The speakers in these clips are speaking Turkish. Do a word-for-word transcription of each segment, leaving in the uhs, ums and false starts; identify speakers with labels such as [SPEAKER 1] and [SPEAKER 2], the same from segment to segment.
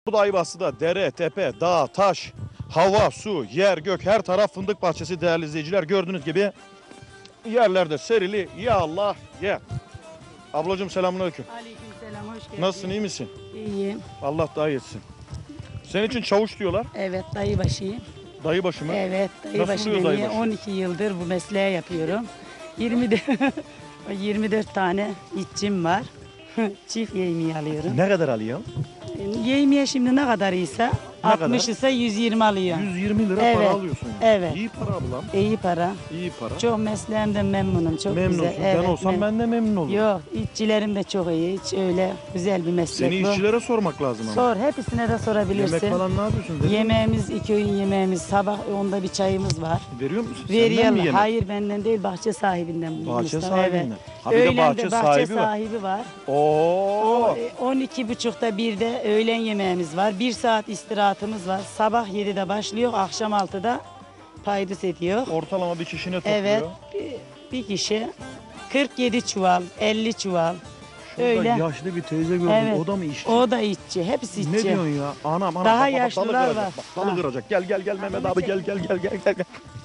[SPEAKER 1] Burada Ayvası'da dere, tepe, dağ, taş, hava, su, yer, gök her taraf fındık bahçesi değerli izleyiciler. Gördüğünüz gibi yerlerde serili ya Allah ye. Ablacığım selamünaleyküm.
[SPEAKER 2] Aleykümselam, hoş geldin.
[SPEAKER 1] Nasılsın, iyi misin?
[SPEAKER 2] İyiyim.
[SPEAKER 1] Allah daha iyi etsin. Senin için çavuş diyorlar.
[SPEAKER 2] Evet, dayıbaşıyım.
[SPEAKER 1] Dayıbaşı mı?
[SPEAKER 2] Evet, dayıbaşı
[SPEAKER 1] oluyor
[SPEAKER 2] beni
[SPEAKER 1] dayıbaşı?
[SPEAKER 2] on iki yıldır bu mesleği yapıyorum. yirmi dört yirmi dört tane işçim var. Çift yemeği alıyorum.
[SPEAKER 1] Ne kadar alıyorsun?
[SPEAKER 2] Yemeğe şimdi ne kadar ise
[SPEAKER 1] Ne
[SPEAKER 2] altmış
[SPEAKER 1] kadar?
[SPEAKER 2] ise yüz yirmi alıyorum.
[SPEAKER 1] yüz yirmi lira
[SPEAKER 2] Evet,
[SPEAKER 1] para alıyorsun.
[SPEAKER 2] evet.
[SPEAKER 1] İyi para ablam.
[SPEAKER 2] İyi para.
[SPEAKER 1] İyi para.
[SPEAKER 2] Çok mesleğimden memnunum. Çok
[SPEAKER 1] Memnunsun.
[SPEAKER 2] güzel.
[SPEAKER 1] Ben
[SPEAKER 2] Evet,
[SPEAKER 1] olsam
[SPEAKER 2] mem-
[SPEAKER 1] ben de memnun olurum.
[SPEAKER 2] Yok, işçilerim de çok iyi. Hiç öyle güzel bir meslek
[SPEAKER 1] Seni
[SPEAKER 2] bu.
[SPEAKER 1] işçilere sormak lazım ama.
[SPEAKER 2] Sor, hepsine de sorabilirsin.
[SPEAKER 1] Yemek falan ne yapıyorsun? Dedin mi?
[SPEAKER 2] Yemeğimiz, iki öğün yemeğimiz, sabah onda bir çayımız var.
[SPEAKER 1] Veriyor musun? Senden mi
[SPEAKER 2] Veriyorlar.
[SPEAKER 1] yemek?
[SPEAKER 2] Hayır benden değil, bahçe sahibinden.
[SPEAKER 1] Bahçe
[SPEAKER 2] Mustafa,
[SPEAKER 1] sahibinden.
[SPEAKER 2] Evet.
[SPEAKER 1] Ha bir de
[SPEAKER 2] Öğlen
[SPEAKER 1] bahçe
[SPEAKER 2] de bahçe
[SPEAKER 1] sahibi var.
[SPEAKER 2] sahibi var.
[SPEAKER 1] Oo.
[SPEAKER 2] O, e, on iki buçukta bir de öğlen yemeğimiz var. Bir saat istirahatımız var. Sabah yedide başlıyor, akşam altıda paydus ediyor.
[SPEAKER 1] Ortalama bir kişi ne topluyor?
[SPEAKER 2] Evet, bir, bir kişi kırk yedi çuval, elli çuval.
[SPEAKER 1] Şurada
[SPEAKER 2] Öyle.
[SPEAKER 1] yaşlı bir teyze gördüm.
[SPEAKER 2] Evet.
[SPEAKER 1] O da mı işçi?
[SPEAKER 2] O da işçi, hepsi işçi.
[SPEAKER 1] Ne diyorsun ya? Anam anam.
[SPEAKER 2] Daha
[SPEAKER 1] bak, bak, bak,
[SPEAKER 2] yaşlılar
[SPEAKER 1] dalı kıracak,
[SPEAKER 2] var.
[SPEAKER 1] Bak, dalı
[SPEAKER 2] Ha.
[SPEAKER 1] kıracak. Gel gel gel Mehmet abi gel gel gel gel gel. gel.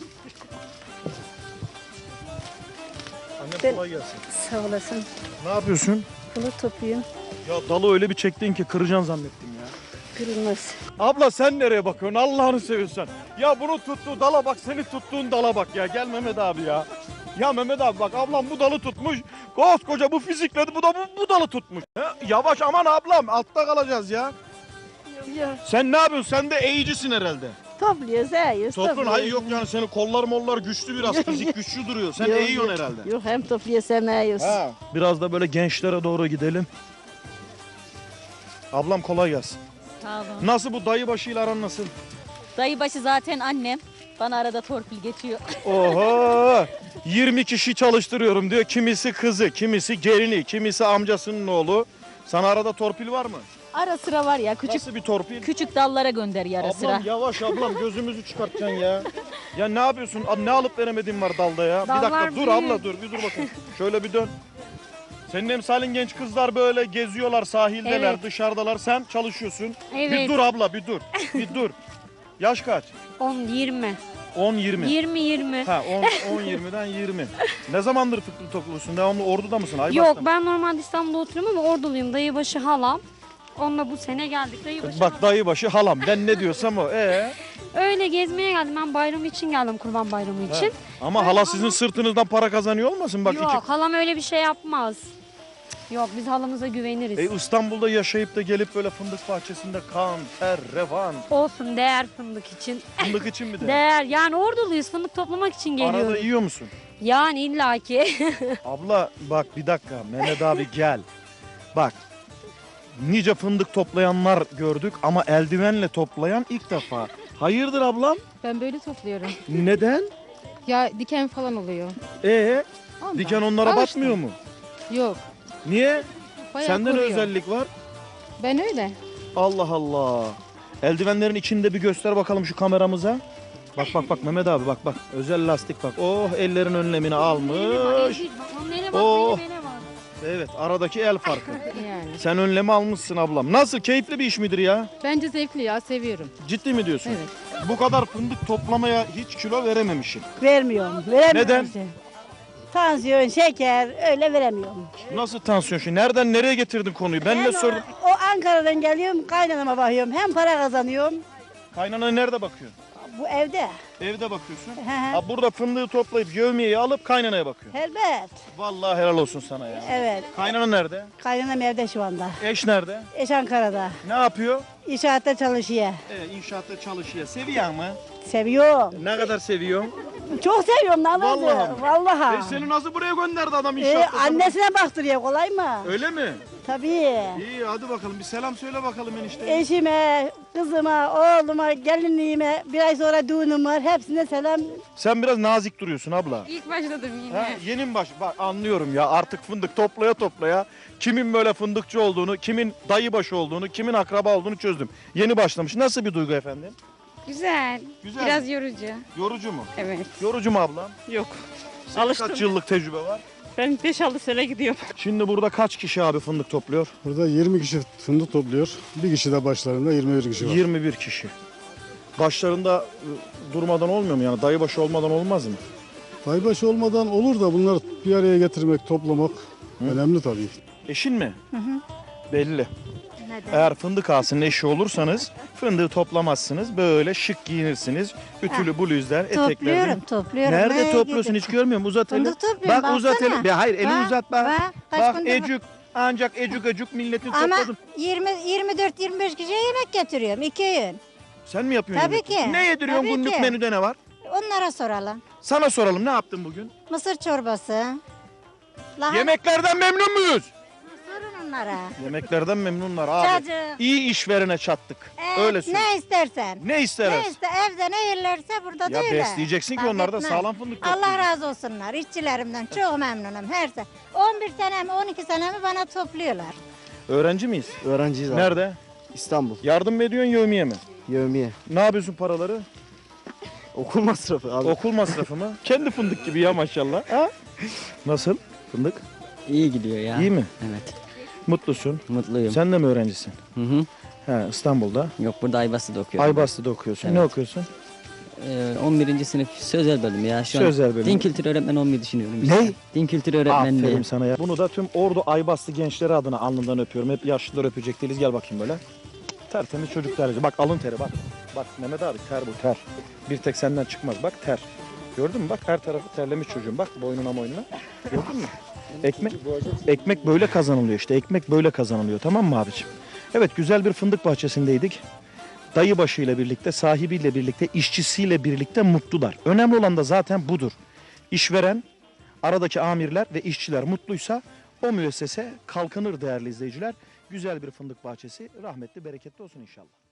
[SPEAKER 1] Annem
[SPEAKER 3] Ben-
[SPEAKER 1] kolay gelsin.
[SPEAKER 3] Sağ olasın.
[SPEAKER 1] Ne yapıyorsun?
[SPEAKER 3] Bunu topluyorum.
[SPEAKER 1] Ya dalı öyle bir çektin ki kıracaksın zannettim ya.
[SPEAKER 3] Kırılmaz.
[SPEAKER 1] Abla sen nereye bakıyorsun? Allah'ını seviyorsan. Ya bunu tuttuğu dala bak, seni tuttuğun dala bak ya. Gel Mehmet abi ya. Ya Mehmet abi bak, ablam bu dalı tutmuş. Koskoca bu fizikle bu da bu, bu dalı tutmuş. Ha, yavaş aman ablam, altta kalacağız ya.
[SPEAKER 3] Yok.
[SPEAKER 1] Sen ne yapıyorsun? Sen de eğicisin herhalde.
[SPEAKER 3] Topluyoruz, eğiyoruz.
[SPEAKER 1] Toprağın
[SPEAKER 3] topluyoruz.
[SPEAKER 1] hayır yok yani, senin kollar mollar güçlü biraz, fizik güçlü duruyor. Sen
[SPEAKER 3] Yok,
[SPEAKER 1] eğiyorsun
[SPEAKER 3] yok.
[SPEAKER 1] herhalde.
[SPEAKER 3] Yok, hem topluyoruz hem eğiyoruz.
[SPEAKER 1] Ha. Biraz da böyle gençlere doğru gidelim. Ablam kolay gelsin.
[SPEAKER 4] Sağ olun.
[SPEAKER 1] Nasıl bu dayı başıyla aran nasıl?
[SPEAKER 4] Dayıbaşı zaten annem. Bana arada torpil geçiyor.
[SPEAKER 1] Oho! yirmi kişi çalıştırıyorum diyor. Kimisi kızı, kimisi gelini, kimisi amcasının oğlu. Sana arada torpil var mı?
[SPEAKER 4] Ara sıra var ya küçük
[SPEAKER 1] Nasıl bir torpil?
[SPEAKER 4] küçük dallara gönderiyor ara
[SPEAKER 1] Ablam
[SPEAKER 4] sıra.
[SPEAKER 1] yavaş ablam, gözümüzü çıkartacaksın ya. Ya ne yapıyorsun? Aa, ne alıp veremediğin var dalda ya. bir dakika
[SPEAKER 4] Dallar
[SPEAKER 1] dur
[SPEAKER 4] büyük.
[SPEAKER 1] abla dur bir dur bakayım. Şöyle bir dön. Senin emsalin genç kızlar böyle geziyorlar, sahildeler,
[SPEAKER 4] Evet.
[SPEAKER 1] dışarıdalar. Sen çalışıyorsun. Bir
[SPEAKER 5] Evet.
[SPEAKER 1] dur abla bir dur. Bir dur. Yaş kaç?
[SPEAKER 5] on yirmi.
[SPEAKER 1] on yirmi.
[SPEAKER 5] yirmi yirmi.
[SPEAKER 1] Ha on yirmiden yirmi. Ne zamandır fıkra topluyorsun? Devamlı Ordu'da mısın? Aybaş'ta
[SPEAKER 5] Yok
[SPEAKER 1] mı?
[SPEAKER 5] ben normalde İstanbul'da oturuyorum ama Orduluyum. Dayıbaşı halam. Onunla bu sene geldik. Dayıbaşı
[SPEAKER 1] Bak
[SPEAKER 5] halam.
[SPEAKER 1] dayıbaşı halam. Ben ne diyorsam o. Ee?
[SPEAKER 5] Öyle gezmeye geldim. Ben bayram için geldim. Kurban bayramı için.
[SPEAKER 1] Ama
[SPEAKER 5] Öyle
[SPEAKER 1] hala
[SPEAKER 5] halam-
[SPEAKER 1] sizin sırtınızdan para kazanıyor olmasın? Bak
[SPEAKER 5] Yok
[SPEAKER 1] iki...
[SPEAKER 5] halam öyle bir şey yapmaz. Yok biz halamıza güveniriz.
[SPEAKER 1] E, İstanbul'da yaşayıp da gelip böyle fındık bahçesinde kan, ter, revan,
[SPEAKER 5] Olsun değer fındık için.
[SPEAKER 1] fındık için mi de?
[SPEAKER 5] Değer yani Orduluyuz. Fındık toplamak için
[SPEAKER 1] Arada
[SPEAKER 5] geliyoruz.
[SPEAKER 1] yiyor musun?
[SPEAKER 5] Yani illaki.
[SPEAKER 1] Abla bak bir dakika Mehmet abi gel. Bak nice fındık toplayanlar gördük ama eldivenle toplayan ilk defa. Hayırdır ablam?
[SPEAKER 6] Ben böyle topluyorum.
[SPEAKER 1] Neden?
[SPEAKER 6] Ya diken falan oluyor.
[SPEAKER 1] Ee,
[SPEAKER 6] Ondan.
[SPEAKER 1] diken onlara
[SPEAKER 6] Alıştım.
[SPEAKER 1] batmıyor mu?
[SPEAKER 6] Yok.
[SPEAKER 1] Niye?
[SPEAKER 6] Bayağı
[SPEAKER 1] Sende ne
[SPEAKER 6] koruyor.
[SPEAKER 1] özellik var?
[SPEAKER 6] Ben öyle.
[SPEAKER 1] Allah Allah. Eldivenlerin içinde bir göster bakalım şu kameramıza. Bak bak bak Mehmet abi bak bak. Özel lastik bak. Oh ellerin önlemini almış.
[SPEAKER 5] Onun eline bak
[SPEAKER 1] Oh.
[SPEAKER 5] benim ele bak.
[SPEAKER 1] Evet aradaki el farkı.
[SPEAKER 6] Yani.
[SPEAKER 1] Sen önlemi almışsın ablam. Nasıl, keyifli bir iş midir ya?
[SPEAKER 6] Bence zevkli ya, seviyorum.
[SPEAKER 1] Ciddi mi diyorsun?
[SPEAKER 6] Evet.
[SPEAKER 1] Bu kadar fındık toplamaya hiç kilo verememişsin.
[SPEAKER 2] Vermiyorum, veremiyorum.
[SPEAKER 1] Neden?
[SPEAKER 2] işte. Tansiyon, şeker öyle veremiyorum.
[SPEAKER 1] Nasıl tansiyon şimdi? Nereden nereye getirdin konuyu? Ben
[SPEAKER 2] Hem
[SPEAKER 1] ne
[SPEAKER 2] o-
[SPEAKER 1] sordum?
[SPEAKER 2] O Ankara'dan geliyorum, kaynanama bakıyorum. Hem para kazanıyorum.
[SPEAKER 1] Kaynana nerede bakıyorsun?
[SPEAKER 2] Bu evde.
[SPEAKER 1] Evde bakıyorsun.
[SPEAKER 2] Hı hı.
[SPEAKER 1] Ha, burada fındığı toplayıp yevmiyeyi alıp kaynanaya bakıyorsun.
[SPEAKER 2] Elbet.
[SPEAKER 1] Vallahi helal olsun sana ya.
[SPEAKER 2] Evet.
[SPEAKER 1] Kaynana nerede?
[SPEAKER 2] Kaynanam evde şu anda.
[SPEAKER 1] Eş nerede?
[SPEAKER 2] Eş Ankara'da.
[SPEAKER 1] Ne yapıyor?
[SPEAKER 2] İnşaatta çalışıyor.
[SPEAKER 1] Evet, inşaatta çalışıyor. Seviyor mu?
[SPEAKER 2] Seviyorum.
[SPEAKER 1] Ne kadar seviyorsun?
[SPEAKER 2] Çok seviyorum lan.
[SPEAKER 1] Vallahi mi?
[SPEAKER 2] Vallahi.
[SPEAKER 1] E, seni nasıl buraya gönderdi adam
[SPEAKER 2] Ee,
[SPEAKER 1] inşaatta?
[SPEAKER 2] annesine baktırıyor, kolay mı?
[SPEAKER 1] Öyle mi?
[SPEAKER 2] Tabii.
[SPEAKER 1] İyi hadi bakalım bir selam söyle bakalım enişte.
[SPEAKER 2] Eşime, kızıma, oğluma, gelinliğime, bir ay sonra düğünüm var. Hepsine selam.
[SPEAKER 1] Sen biraz nazik duruyorsun abla.
[SPEAKER 5] İlk başladım yine.
[SPEAKER 1] Ha, yeni mi baş? Bak anlıyorum ya, artık fındık toplaya toplaya kimin böyle fındıkçı olduğunu, kimin dayıbaşı olduğunu, kimin akraba olduğunu çözdüm. Yeni başlamış. Nasıl bir duygu efendim?
[SPEAKER 5] Güzel.
[SPEAKER 1] Güzel.
[SPEAKER 5] Biraz yorucu.
[SPEAKER 1] Yorucu mu?
[SPEAKER 5] Evet.
[SPEAKER 1] Yorucu mu ablam?
[SPEAKER 5] Yok.
[SPEAKER 1] Senin kaç yıllık tecrübe var?
[SPEAKER 7] Ben beş altı sene gidiyorum.
[SPEAKER 1] Şimdi burada kaç kişi abi fındık topluyor?
[SPEAKER 8] Burada yirmi kişi fındık topluyor. Bir kişi de başlarında yirmi bir kişi var.
[SPEAKER 1] yirmi bir kişi. Başlarında ı, durmadan olmuyor mu yani? Dayıbaşı olmadan olmaz mı?
[SPEAKER 8] Daybaşı olmadan olur da bunlar bir araya getirmek, toplamak önemli tabii.
[SPEAKER 1] Eşin mi? Belli. Eğer fındık ağasının eşi olursanız fındığı toplamazsınız. Böyle şık giyinirsiniz. Ütülü bluzlar, etekler.
[SPEAKER 9] Topluyorum, topluyorum.
[SPEAKER 1] Nerede
[SPEAKER 9] Nereye
[SPEAKER 1] topluyorsun
[SPEAKER 9] gidiyorum?
[SPEAKER 1] hiç görmüyorum. Uzat eli.
[SPEAKER 9] Fındık topluyorum,
[SPEAKER 1] Bak uzat
[SPEAKER 9] baksana.
[SPEAKER 1] eli. Be, hayır elini
[SPEAKER 9] Bak,
[SPEAKER 1] uzat bak.
[SPEAKER 9] bak, kaç
[SPEAKER 1] Bak
[SPEAKER 9] fındık-
[SPEAKER 1] ecük. Ancak ecük ecük milletin
[SPEAKER 9] Ama
[SPEAKER 1] topladım.
[SPEAKER 9] yirmi, yirmi dört yirmi beş kişiye yemek getiriyorum. iki öğün.
[SPEAKER 1] Sen mi yapıyorsun?
[SPEAKER 9] Tabii
[SPEAKER 1] yemek?
[SPEAKER 9] ki,
[SPEAKER 1] Ne yediriyorsun
[SPEAKER 9] tabii
[SPEAKER 1] günlük
[SPEAKER 9] ki.
[SPEAKER 1] menüde ne var?
[SPEAKER 9] Onlara soralım.
[SPEAKER 1] Sana soralım ne yaptın bugün?
[SPEAKER 9] Mısır çorbası. Lahana.
[SPEAKER 1] Yemeklerden memnun muyuz?
[SPEAKER 9] Sorun onlara.
[SPEAKER 1] Yemeklerden memnunlar abi.
[SPEAKER 9] Cacık.
[SPEAKER 1] İyi işverene çattık.
[SPEAKER 9] Evet,
[SPEAKER 1] Öyle söyle.
[SPEAKER 9] ne istersen.
[SPEAKER 1] Ne isteriz?
[SPEAKER 9] Ne iste, evde ne yerlerse burada da
[SPEAKER 1] Ya
[SPEAKER 9] öyle.
[SPEAKER 1] besleyeceksin ki
[SPEAKER 9] Fark
[SPEAKER 1] onlar da
[SPEAKER 9] etmez.
[SPEAKER 1] sağlam fındık
[SPEAKER 9] Allah
[SPEAKER 1] topluyor.
[SPEAKER 9] razı olsunlar işçilerimden. Çok memnunum her sene. on bir senemi on iki senemi bana topluyorlar.
[SPEAKER 1] Öğrenci miyiz?
[SPEAKER 10] Öğrenciyiz abi.
[SPEAKER 1] Nerede?
[SPEAKER 10] İstanbul.
[SPEAKER 1] Yardım mı ediyorsun yevmiye mi?
[SPEAKER 10] Yevmiye.
[SPEAKER 1] Ne yapıyorsun paraları?
[SPEAKER 10] Okul masrafı abi.
[SPEAKER 1] Okul masrafı mı? Kendi fındık gibi ya maşallah. Ha? Nasıl? Fındık?
[SPEAKER 10] İyi gidiyor ya.
[SPEAKER 1] İyi mi?
[SPEAKER 10] Evet.
[SPEAKER 1] Mutlusun.
[SPEAKER 10] Mutluyum.
[SPEAKER 1] Sen de mi öğrencisin?
[SPEAKER 10] Hı hı.
[SPEAKER 1] He, İstanbul'da.
[SPEAKER 10] Yok burada Aybastı'da okuyorum.
[SPEAKER 1] Aybastı'da okuyorsun. Ne
[SPEAKER 10] Evet.
[SPEAKER 1] okuyorsun?
[SPEAKER 10] Ee, on birinci sınıf sözel bölüm ya. Şu
[SPEAKER 1] Sözel
[SPEAKER 10] an
[SPEAKER 1] bölüm.
[SPEAKER 10] din kültürü öğretmeni olmayı düşünüyorum.
[SPEAKER 1] Ne?
[SPEAKER 10] işte. Din kültürü öğretmenliği.
[SPEAKER 1] Aferin sana ya. Bunu da tüm Ordu Aybastı gençleri adına alnından öpüyorum. Hep yaşlılar öpecek değiliz. Gel bakayım böyle. Tertemiz çocuk tercih. Bak alın teri bak. Bak Mehmet abi ter bu ter. Bir tek senden çıkmaz. Bak ter. Gördün mü? Bak her tarafı terlemiş çocuğun. Bak boynuna boynuna. Gördün mü? Ekmek, ekmek böyle kazanılıyor işte. Ekmek böyle kazanılıyor. Tamam mı abiciğim? Evet güzel bir fındık bahçesindeydik. Dayıbaşıyla birlikte, sahibiyle birlikte, işçisiyle birlikte mutlular. Önemli olan da zaten budur. İşveren, aradaki amirler ve işçiler mutluysa o müessese kalkınır değerli izleyiciler. Güzel bir fındık bahçesi rahmetli, bereketli olsun inşallah.